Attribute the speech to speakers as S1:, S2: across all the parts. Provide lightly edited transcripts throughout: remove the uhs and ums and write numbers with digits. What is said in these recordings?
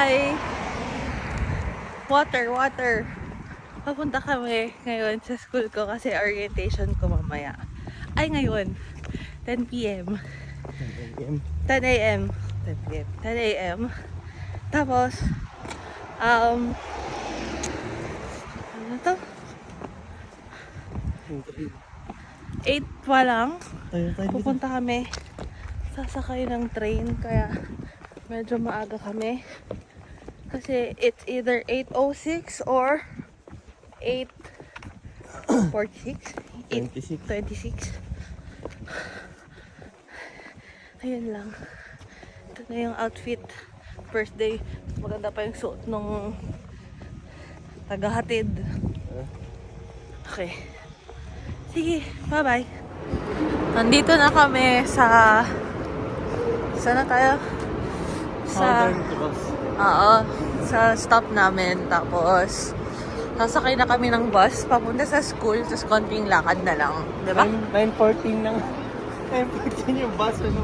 S1: Hi! Water. Papunta kami ngayon sa school ko kasi orientation ko mamaya. Ay, ngayon. 10 p.m. 10 a.m. 10 a.m. Tapos, ano to? 8 pa lang. Pupunta kami. Sasakay ng train kaya medyo maaga kami. Kasi it's either 8:06 or 8:46. 8:26. Ayun lang. Ito na yung outfit. First day. Maganda pa yung suot nung tagahatid. Okay. Sige, bye-bye. Nandito na kami sa... Saan na tayo? Sa stop namin. Tapos, sasakay na kami ng bus papunta sa school. Tapos, konting lakad na lang. Diba?
S2: 9:14 lang. 9:14 yung bus, ano?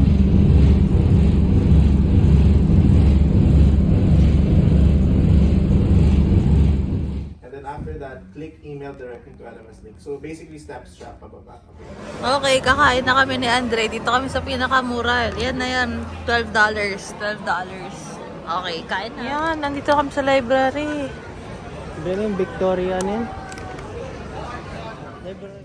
S3: After that, click email directly to LMS link. So basically, steps siya pababa.
S1: Okay, kakain na kami ni Andre. Dito kami sa pinakamura. Yan na yan. $12. Okay, kain na. Yan, nandito kami sa library.
S2: Diba yung Victoria niyan? Library.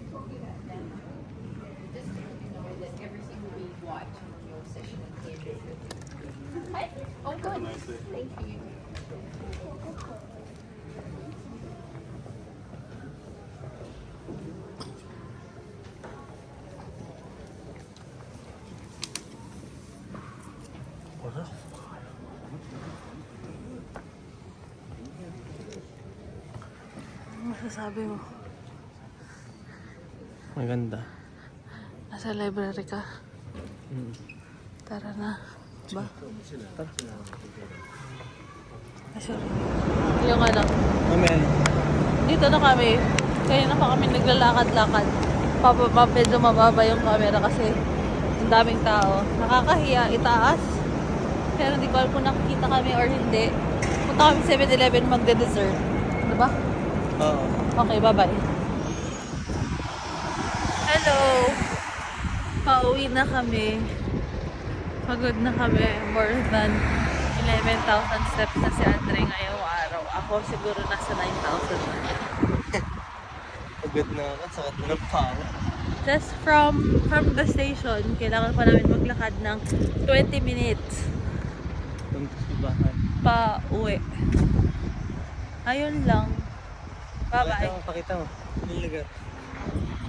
S4: Oh, good. Thank you.
S1: Ano masasabi mo?
S2: Maganda.
S1: Nasa library ka? Tara na. Ba? Sorry. Yung ano?
S2: Amen.
S1: Dito na kami. Kaya na pa kami naglalakad-lakad. Medyo mababa yung camera kasi ang daming tao. Nakakahiya, itaas. Pero hindi ko alam kung nakikita kami or hindi. Punta kami 7-Eleven magde-dessert. Diba?
S2: Oo.
S1: Okay, bye-bye. Hello! Pauwi na kami. Pagod na kami. More than 11,000 steps na si Andre ngayong araw. Ako siguro nasa 9,000 na.
S2: Pagod na ako. Sakit na ng paa.
S1: Just from the station, kailangan pa namin maglakad ng 20 minutes
S2: Punta sa bahay.
S1: pa uwi. Ayun lang. Bye-bye.
S2: Pakita mo. Yung lugar.